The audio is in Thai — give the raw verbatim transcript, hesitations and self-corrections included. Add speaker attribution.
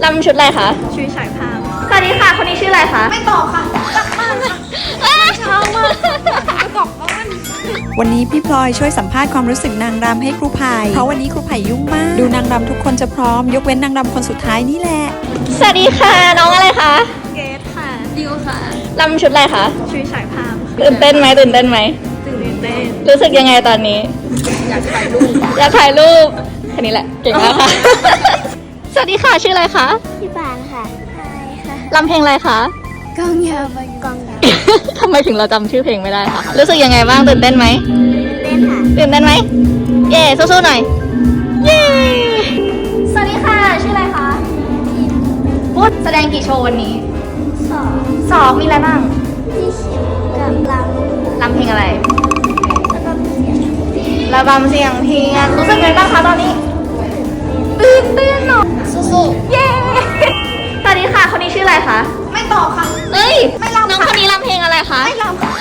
Speaker 1: ลำชุดอะไรคะ
Speaker 2: ชุดฉายภาพ
Speaker 1: สวัสดีค่ะ คนนี้ชื่ออะไรคะ
Speaker 2: ไม่ตอบค่ะกลับบ้านค่ะเช้ามากจะกลับบ้าน
Speaker 3: วันนี้พี่พลอยช่วยสัมภาษณ์ความรู้สึกนางรำให้ครูไผ่เพราะวันนี้ครูไผ่ยุ่งมาก ดูนางรำทุกคนจะพร้อมยกเว้นนางรำคนสุดท้ายนี่แหละ
Speaker 1: สวัสดีค่ะ น้องอะไรคะ
Speaker 2: เกตค่ะดิวค่ะ
Speaker 1: ลำชุดอะไรคะ
Speaker 2: ชุดฉายภาพ
Speaker 1: ตื่นเต้นไหมตื่นเต้นไหม
Speaker 2: ตื่นเต้น
Speaker 1: รู้สึกยังไงตอนนี้
Speaker 2: อยากถ่ายรูป
Speaker 1: อยากถ่ายรูปแค่นี้แหละ เก่งมากค่ะ สวัสดีค่ะ ชื่ออะไรคะ
Speaker 4: พี่ปานค่ะใช่ค่ะ
Speaker 1: ลำเพลงอะไรคะ
Speaker 4: กองยาวไปกองยาว
Speaker 1: ทำไมถึงเราจำชื่อเพลงไม่ได้คะ รู้สึกยังไงบ้าง ตื่นเต้นไหม
Speaker 4: เต้นค่ะ
Speaker 1: ตื่นเต้นไหม เย่สู้ๆหน่อย เย่สวัสดีค่ะ ชื่ออะไรคะพูดแสดงกี่โชว์วันนี้
Speaker 4: สอง
Speaker 1: สองมีอะไรบ้าง
Speaker 4: ที่เขียวกับล
Speaker 1: ลำเพลงอะไร
Speaker 4: ำแล้วก็เสียง
Speaker 1: ระบำเสียงเพียงรู้สึกไงบ้างคะตอนนี้ ตื่นเต้นเนาะ
Speaker 4: สู้
Speaker 1: เย้ สวัสดีค่ะ คนนี้ชื่ออะไรคะ
Speaker 2: ไม่ตอบค่ะ
Speaker 1: เอ้ย
Speaker 2: ไม่รำค่ะ
Speaker 1: น้องคนนี้รำเพลงอะไรคะ
Speaker 2: ไม่รำค่ะ